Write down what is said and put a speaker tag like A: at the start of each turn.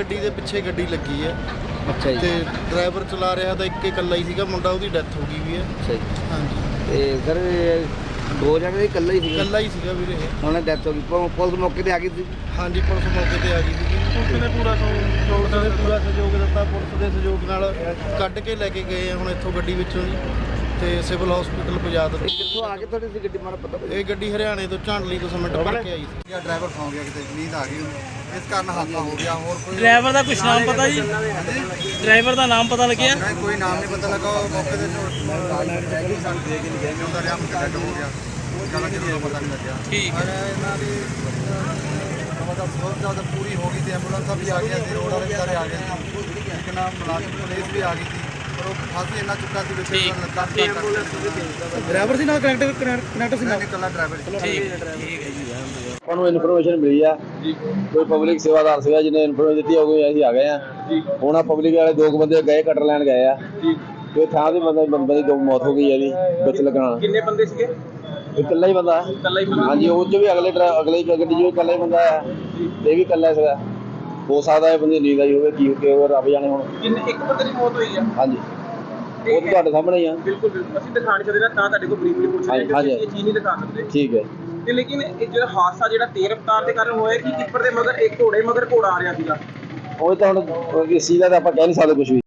A: ਗੱਡੀ ਦੇ ਪਿੱਛੇ ਗੱਡੀ ਲੱਗੀ ਹੈ।
B: ਅੱਛਾ ਜੀ।
A: ਤੇ ਡਰਾਈਵਰ ਚਲਾ ਰਿਹਾ ਤਾਂ ਇੱਕ ਇਕੱਲਾ ਹੀ ਸੀਗਾ ਮੁੰਡਾ, ਉਹਦੀ ਡੈਥ ਹੋ ਗਈ ਵੀ ਹੈ।
B: ਅੱਛਾ ਜੀ।
A: ਹਾਂਜੀ
B: ਤੇ ਸਰ ਦੋ ਜਣੇ ਇਕੱਲਾ ਹੀ ਸੀਗਾ?
A: ਇਕੱਲਾ ਹੀ ਸੀਗਾ ਵੀਰੇ ਇਹ।
B: ਉਹਨੇ ਡੈਥ ਹੋ ਗਈ, ਪੁਲਿਸ ਮੌਕੇ ਤੇ ਆ ਗਈ ਸੀ?
A: ਹਾਂਜੀ ਪੁਲਿਸ ਮੌਕੇ ਤੇ ਆ ਗਈ ਸੀਗੀ। ਪੁਲਿਸ ਨੇ ਪੂਰਾ ਸਹਿਯੋਗ ਦਿੱਤਾ। ਪੁਲਿਸ ਦੇ ਸਹਿਯੋਗ ਨਾਲ ਕੱਢ ਕੇ ਲੈ ਕੇ ਗਏ ਆ ਹੁਣ ਇੱਥੋਂ ਗੱਡੀ ਵਿੱਚੋਂ ਜੀ, ਤੇ ਸਿਵਲ ਹਸਪੀਟਲ ਪਹੁੰਚਾ ਦਿੱਤੀ।
B: ਕਿੱਥੋਂ ਆ ਕੇ ਤੁਹਾਡੀ ਸੀ ਗੱਡੀ, ਮਾੜਾ ਪਤਾ?
A: ਇਹ ਗੱਡੀ ਹਰਿਆਣੇ ਤੋਂ ਝਾਂਡਲੀ ਤੋਂ ਸਿਮੈਂਟ ਭਰ ਕੇ ਆਈ ਸੀ।
C: ਡਰਾਈਵਰ ਸੌਂ ਗਿਆ, ਕਿਤੇ ਨੀਂਦ ਆ ਗਈ ਉਹਨੂੰ, ਇਸ ਕਾਰਨ ਹਾਦਸਾ ਹੋ ਗਿਆ। ਹੋਰ ਕੋਈ
D: ਡਰਾਈਵਰ ਦਾ ਕੁਛ ਨਾਮ ਪਤਾ ਜੀ? ਡਰਾਈਵਰ ਦਾ ਨਾਮ ਪਤਾ ਲੱਗਿਆ?
C: ਨਹੀਂ, ਕੋਈ ਨਾਮ ਨਹੀਂ ਪਤਾ ਲੱਗਾ। ਉਹ ਮੌਕੇ ਤੇ ਸਾਨੂੰ ਦੇ ਕੇ ਨਹੀਂ ਗਏ, ਉਹਦਾ ਰਿਆ ਮੁਕੱਦਮ ਹੋ ਗਿਆ, ਜ਼ਿਆਦਾ ਕਿਹਨੂੰ ਪਤਾ ਨਹੀਂ ਲੱਗਿਆ।
D: ਠੀਕ
C: ਪਰ ਇਹਨਾਂ ਦੀ ਮਤਲਬ ਬਹੁਤ ਜ਼ਿਆਦਾ ਪੂਰੀ ਹੋ ਗਈ ਤੇ ਐਂਬੂਲੈਂਸਾਂ ਵੀ ਆ ਗਈਆਂ ਸੀ, ਰੋਡ ਵਾਲੇ ਸਾਰੇ ਆ ਗਏ ਸੀ, ਇੱਕ ਨਾਮ ਮੁਲਾਜ਼ਮ ਪੁਲਿਸ ਵੀ ਆ ਗਈ ਸੀ, ਪਰ ਉਹ ਫਾਸੀ ਇੰਨਾ ਚੁੱਕਾ ਸੀ ਵਿੱਚ
A: ਡਰਾਈਵਰ ਸੀ ਨਾਲ ਕਨੈਕਟਰ ਸੀ
C: ਨਾਲ ਇਕੱਲਾ ਡਰਾਈਵਰ ਸੀ।
E: ਸਾਨੂੰ ਇਨਫੋਰਮੇਸ਼ਨ ਮਿਲੀ ਆ ਕੋਈ ਪਬਲਿਕ ਸੇਵਾਦਾਰ ਸੀਗਾ ਜਿਹਨੇ ਇਨਫੋਰਮੇਸ਼ਨ ਦਿੱਤੀ ਹੋ ਗਈ, ਅਸੀਂ ਆ ਗਏ ਆ। ਹੁਣ ਆ ਪਬਲਿਕ ਵਾਲੇ ਦੋ ਬੰਦੇ ਗਏ ਕਟਰ ਲੈਣ ਗਏ ਆ ਤੇ ਥਾਂ ਦੇ ਬੰਦੇ ਦੀ ਦੋ ਮੌਤ ਹੋ ਗਈ ਹੈ ਜੀ ਵਿੱਚ ਲੱਗਣਾ।
D: ਕਿੰਨੇ ਬੰਦੇ ਸੀਗੇ?
E: ਇਕੱਲਾ ਹੀ ਬੰਦਾ ਹਾਂਜੀ, ਉਹ ਚ ਵੀ ਅਗਲੀ ਗੱਡੀ ਜੋ ਇਕੱਲਾ ਹੀ ਬੰਦਾ ਆ, ਇਹ ਵੀ ਇਕੱਲਾ ਸੀਗਾ। ਹੋ ਸਕਦਾ ਇਹ ਬੰਦੇ ਨੀਂਦ ਆਈ ਹੋਵੇ, ਕੀ ਹੋਵੇ ਰੱਬ ਜਾਣੇ। ਹੁਣ
D: ਇੱਕ ਬੰਦੇ ਦੀ ਮੌਤ ਹੋਈ ਆ?
E: ਹਾਂਜੀ, ਉਹ ਤਾਂ ਤੁਹਾਡੇ ਸਾਹਮਣੇ ਹੀ ਆ।
D: ਬਿਲਕੁਲ ਅਸੀਂ ਦਿਖਾ ਨਹੀਂ ਸਕਦੇ ਨਾ, ਤਾਂ ਤੁਹਾਡੇ ਕੋਲ ਬਰੀਫਲੀ ਪੁੱਛ ਰਹੇ ਹਾਂ, ਇਹ ਚੀਜ਼ ਨਹੀਂ ਦਿਖਾ ਸਕਦੇ।
E: ਠੀਕ ਹੈ।
D: ਤੇ ਲੇਕਿਨ ਇਹ ਜਿਹੜਾ ਹਾਦਸਾ ਜਿਹੜਾ ਤੇਜ਼ ਰਫ਼ਤਾਰ ਦੇ ਕਾਰਨ ਹੋਇਆ ਕਿ ਟਿੱਪਰ ਦੇ ਮਗਰ ਇੱਕ ਘੋੜੇ ਮਗਰ ਘੋੜਾ ਆ ਰਿਹਾ ਸੀਗਾ?
E: ਉਹ ਤਾਂ ਹੁਣ ਇਸ ਚੀਜ਼ ਦਾ ਤਾਂ ਆਪਾਂ ਕਹਿ ਨਹੀਂ ਸਕਦੇ ਕੁਝ ਵੀ।